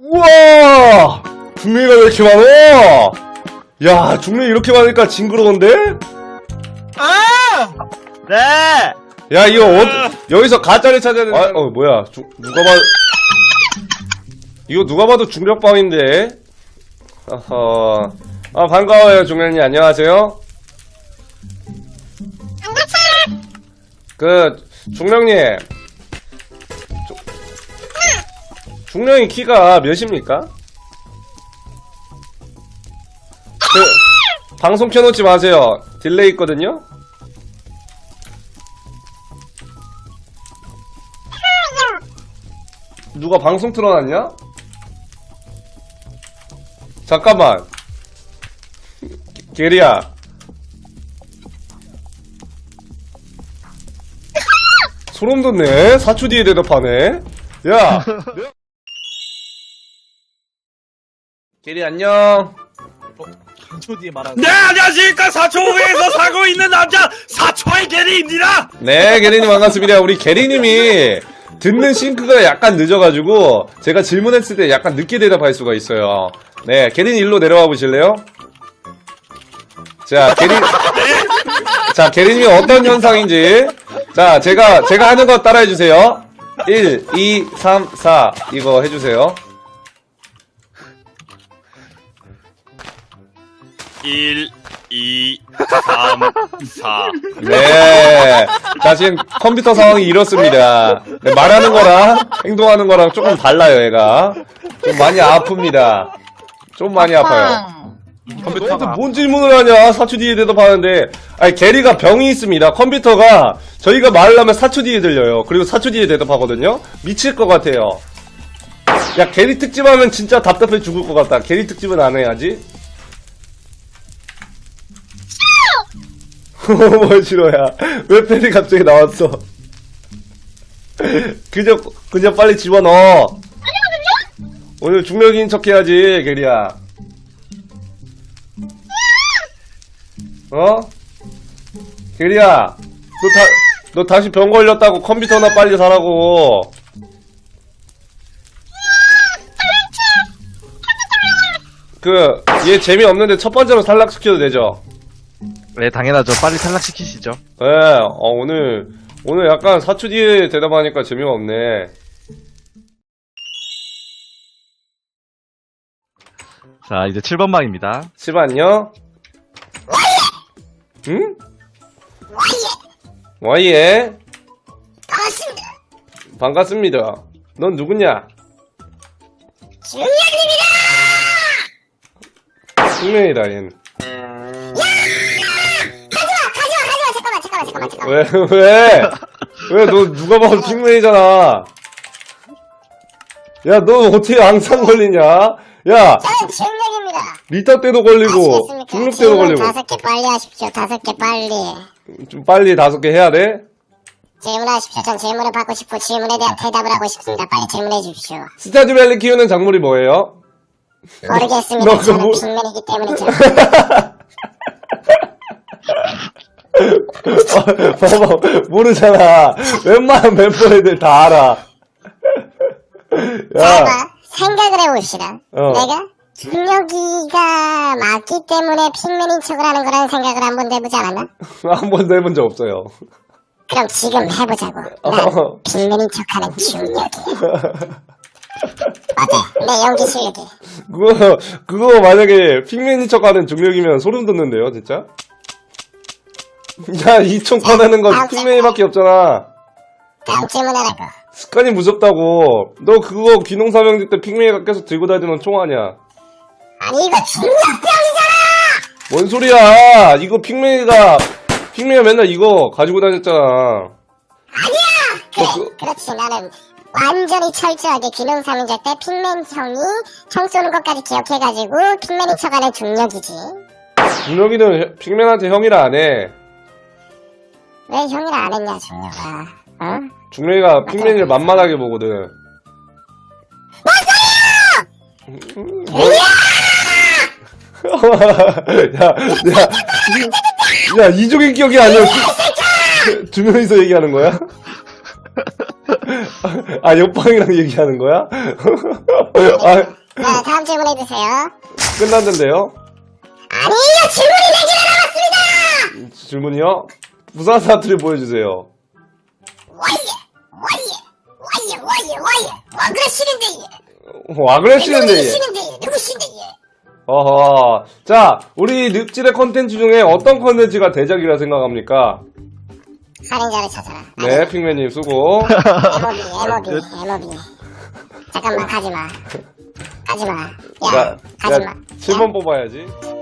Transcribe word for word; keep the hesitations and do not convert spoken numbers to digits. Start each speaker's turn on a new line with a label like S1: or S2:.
S1: 우와! 중력이가 왜 이렇게 많어? 야, 중력이 이렇게 많으니까 징그러운데?
S2: 아!
S3: 네!
S1: 야, 이거 어, 여기서 가짜를 찾아야 되는. 아, 어, 뭐야. 주, 누가 봐도. 이거 누가 봐도 중력방인데? 어허. 아, 반가워요, 중력님. 안녕하세요. 그, 중력님. 주, 중력이 키가 몇입니까? 그, 방송 켜놓지 마세요. 딜레이 있거든요? 누가 방송 틀어놨냐? 잠깐만. 게리야. 소름 돋네. 사 초 뒤에 대답하네. 야. 게리 안녕.
S2: 한 초 뒤에 말하는.
S3: 네, 안녕하십니까. 사초에서 살고 있는 남자, 사초의 게리입니다!
S1: 네, 게리님 반갑습니다. 우리 게리님이 듣는 싱크가 약간 늦어가지고 제가 질문했을 때 약간 늦게 대답할 수가 있어요. 네, 게리님 일로 내려와 보실래요? 자, 게리, 자, 게리님이 어떤 현상인지. 자, 제가, 제가 하는 거 따라해주세요. 일, 이, 삼, 사. 이거 해주세요.
S3: 일, 이, 삼, 사.
S1: 네. 자, 지금 컴퓨터 상황이 이렇습니다. 네, 말하는 거랑 행동하는 거랑 조금 달라요, 얘가. 좀 많이 아픕니다. 좀 많이 아파요. 너한테 뭔 질문을 하냐? 사 초 뒤에 대답하는데. 아니, 게리가 병이 있습니다. 컴퓨터가 저희가 말을 하면 사 초 뒤에 들려요. 그리고 사 초 뒤에 대답하거든요? 미칠 것 같아요. 야, 게리 특집 하면 진짜 답답해 죽을 것 같다. 게리 특집은 안 해야지. 뭘 싫어야. 왜 팬이 갑자기 나왔어? 그저, 그저 빨리 집어넣어. 오늘 중력인 척 해야지, 게리야. 어? 게리야, 너 다, 너 다시 병 걸렸다고 컴퓨터나 빨리 사라고. 그, 얘 재미없는데 첫 번째로 탈락시켜도 되죠?
S4: 네, 당연하죠. 빨리 탈락시키시죠.
S1: 예, 어, 오늘, 오늘 약간 사 초 뒤에 대답하니까 재미가 없네.
S4: 자, 이제 칠 번 방입니다.
S1: 시반요? 응? 와이에?
S5: 반갑습니다.
S1: 반갑습니다. 넌 누구냐?
S5: 중력입니다.
S1: 숙명이다, 얜.
S5: 가져와, 가져와, 가져와. 잠깐만, 잠깐만, 잠깐만, 잠깐만.
S1: 왜, 왜? 왜, 너 누가 봐도 숙명이잖아. 야, 너 어떻게 항상 걸리냐? 야,
S5: 저는 중력입니다.
S1: 리타 때도 걸리고,
S5: 아시겠습니까?
S1: 중력 때도
S5: 질문
S1: 걸리고.
S5: 다섯 개 빨리 하십시오. 다섯 개 빨리.
S1: 좀 빨리 다섯 개 해야 돼?
S5: 질문하십시오. 전 질문을 받고 싶고 질문에 대한 대답을 하고 싶습니다. 빨리 질문해 주십시오.
S1: 스타즈밸리 키우는 작물이 뭐예요?
S5: 모르겠습니다.
S1: 너 그거
S5: 저는
S1: 뭐-
S5: 빅맨이기 때문이죠.
S1: 어, 봐봐, 모르잖아. 웬만한 멤버 애들 다 알아.
S5: 자,
S1: 야,
S5: 봐. 생각을 해봅시다.
S1: 어.
S5: 내가 중력이가 맞기 때문에 빅맨인 척을 하는 거라는 생각을 한번 해보지 않았나?
S1: 한 번도 해본 적 없어요.
S5: 그럼 지금 해보자고.
S1: 어.
S5: 난 빅맨인 척하는 중력이야. 어때? 내 연기 실력이.
S1: 그거, 그거 만약에 핑맨인 척 하는 중력이면 소름 돋는데요, 진짜? 야, 이총 꺼내는 건 핑맨이밖에 없잖아.
S5: 다음 질문하라고.
S1: 습관이 무섭다고. 너 그거 귀농사명제 때 핑맨이가 계속 들고 다니는 총 아니야?
S5: 아니 이거 중력병이잖아.
S1: 뭔 소리야! 이거 핑맨이가, 핑맨이가 맨날 이거 가지고 다녔잖아.
S5: 그래,
S1: 그-
S5: 그렇지. 나는 완전히 철저하게 기능사명제 때 핑맨 형이 총 쏘는 것까지 기억해가지고 핑맨인 척하는 중력이지.
S1: 중력이는 핑맨한테 형이라 안 해.
S5: 왜 형이라 안 했냐 중력아. 어?
S1: 중력이가 핑맨이를 만만하게 보거든. 야, 야, 야, 이쪽의 기억이 아니야. 두 명이서 얘기하는 거야? 아, 옆방이랑 얘기하는 거야? 아,
S5: 자, 다음 질문 해주세요.
S1: 끝났는데요?
S5: 아니요, 질문이 네 개나 남았습니다!
S1: 질문이요? 부산 사투리 보여주세요.
S5: 와예, 와예, 와예, 와예, 와예. 와, 그래, 싫은데, 예.
S1: 와, 그래, 싫은데.
S5: 누구
S1: 얘.
S5: 싫은데, 예. 누구 싫은데, 예.
S1: 어허. 자, 우리 늪질의 컨텐츠 중에 어떤 컨텐츠가 대작이라 생각합니까?
S5: 살인자를 찾아라.
S1: 네, 핑맨님 수고.
S5: 에모비, 에모비, 에모비. 잠깐만, 가지마. 가지마. 야,
S1: 자,
S5: 가지마.
S1: 자, 칠 번 뽑아야지.